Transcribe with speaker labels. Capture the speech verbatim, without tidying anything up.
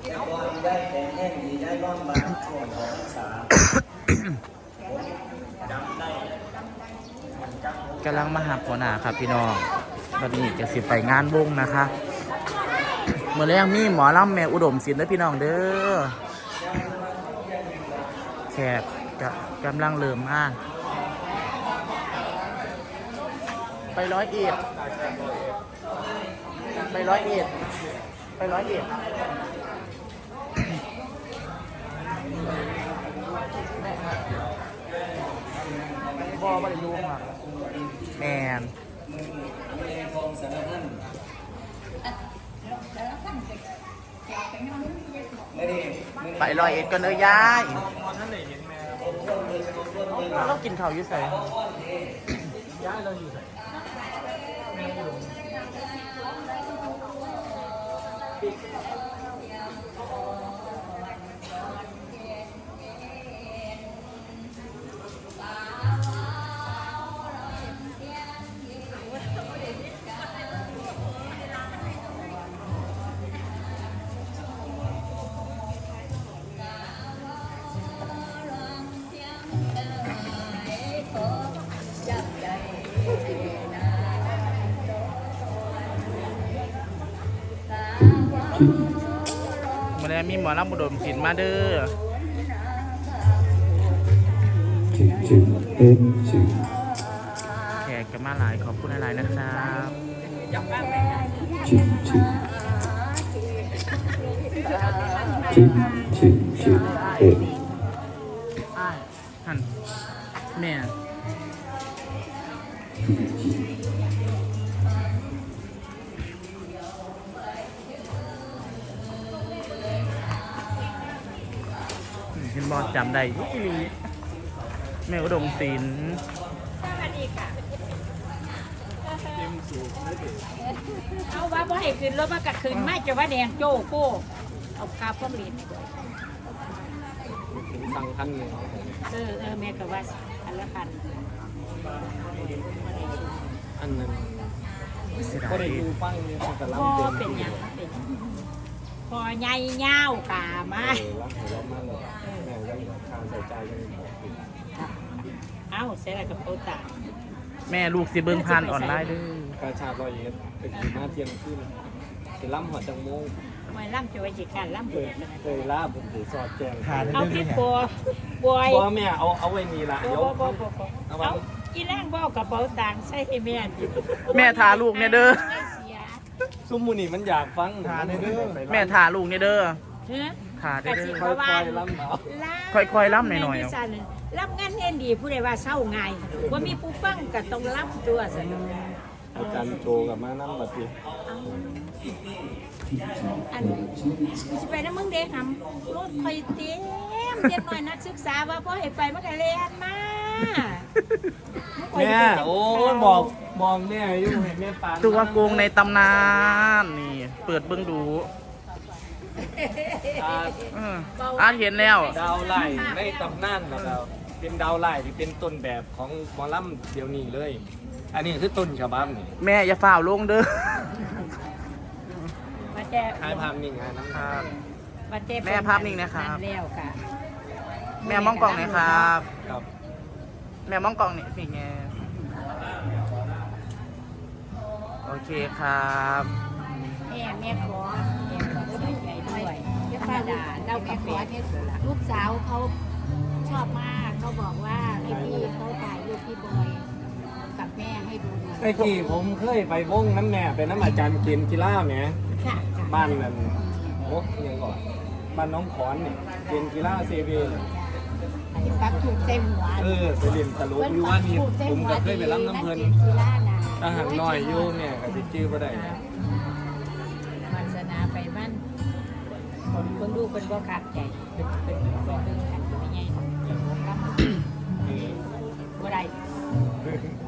Speaker 1: ได้แต่แห้งดีได้ร่องบางช่วงของสามจำได้
Speaker 2: กำลังมาหาหัวหน้าครับพี่น้องตอนนี้จะสิไปงานวงนะคะเมื่อแรกมีหมอลำแม่อุดมศิลป์และพี่น้องเด้อแขกจะกำลังเริ่มมาไปร้อยเอ็ดไปร้อยเอ็ดไปร้อยเอ็ดบอไม่ได้รู้ครับแมนไปร้อยเอ็ดกันเลยยายเรากินข้าวอยู่ใส่ย้ายเราอยู่ใส่มาแล้วมีหมอลำบุดมศิลป์มาเด้อแขกกันมาหลายขอบคุณหลายนะครับ
Speaker 3: จิจิจิจิจิเอ็ด
Speaker 2: หันแม่เห็นบอลจำได้ยี่ลีแม่อุดมศิลป์
Speaker 4: เอาว่าบ่ให้ขึ้นรถมากระขึ้นไม่จะว่าแดงโจ้โก้เอาคาพวกเรียน
Speaker 1: ถึงสั่งพันหนึ่ง
Speaker 4: เออเออแม่ก็ว่าอันละพัน
Speaker 1: อันนั้น
Speaker 2: ก็
Speaker 1: ได้ดูฟังเนี่ยแต่ลำ
Speaker 4: พ่อ
Speaker 1: เต็ม
Speaker 4: เป็นยังเป็นพอใหญ่เงากามา
Speaker 1: รักเรามากเลยแม่ยังทางใส่ใจยังบอกติด
Speaker 4: เอ้าเสร็จแล้วกับโปตา
Speaker 2: แม่ลูกสิเบิ้งผ่านออนไลน์ด้วย
Speaker 1: กระชากรอยเอ็ดเป็นกี่มาเที่ยงขึ้นจะล่ำหัวจังโมง
Speaker 4: ทำไมล่ำจะไว้จีการล่ำ
Speaker 1: เคยเคยล่าผมถือสอดแจง
Speaker 4: เอาพี่บัวบอย
Speaker 1: บัวแม่เอาเอาไว้นี่ละยก
Speaker 4: เอาอีแรงบ่กับโปตาใช่แม่
Speaker 2: แม่ทาลูกเนี่ยเด้อ
Speaker 1: ซุ้มมูนี่มันอยากฟังทาเด้อ
Speaker 2: แม่ทาลูกเนี่ยเด้อทาเด้อ
Speaker 1: ค่อยๆล่ำเอา
Speaker 2: ค่อยๆล่ำหน่อยๆ
Speaker 4: ล่ำงานเงินดีผู้ใดว่าเศร้าไงว่ามีผู้ฟังก็ต้องล่ำตัวสิ
Speaker 1: อาจารย์โจกับมานั่งบัดนี้
Speaker 4: อันจะไปนะมึงเด็กทำรถคอยเต็มเด็กหน่อยนักศึกษาว่าพ่อให้ไปมันก็เรียนมา
Speaker 1: แม่โอ้บอกมองแม่อยู่เห็นแม่ปาน
Speaker 2: ตัวโกงในตำนานนี่เปิดเบิ้งดูอ่านเห็นแล้ว
Speaker 1: ดาวไล่ในตำนานนะครับเป็นดาวไล่ที่เป็นต้นแบบของหมอลำเดี๋ยวนี้เลยอันนี้คือต้นฉบับนี่
Speaker 2: แม่อย่าฝ่าลงเด้อ
Speaker 1: ถ่ายภาพนิ่งนะครับ
Speaker 2: แม่ภาพนิ่งนะครับแม่มองกล่องหน่อยครับแม่มองกล่องนี่สิไงโอเคครับ
Speaker 4: แม่แม่ขอแม่ขอใส่ใจด้วยธรรมดาเราแม่ขอเนี่ยลูกสาวเขาชอบมากเขาบอกว่าให้พี่เขาถ่ายรูปพี่บอยกับแม่ให้ดู
Speaker 1: ไอ้กี่ผมเคยไปวงน้ำแม่เป็นน้ำอาจารย์เกียนกีฬาแหมบ้านนั่นโอ้ยังก่อนบ้านน้องขอนเนี่ยเกียนกีฬาเซเว่น
Speaker 4: ปักถูกเต็มหัว
Speaker 1: เออไปเรียนตลกอยู่ว่านี่ผมก็เคยไปรับน้ำเพลินทหารน้อยอยู่เนี่ยกับที่ชื่อก็ได้
Speaker 4: วาสนาไปบ้านคนคนดูคนบ่ขาดใจเป็นเป็นเป็นกันไม่ใหญ่รับบ่ได้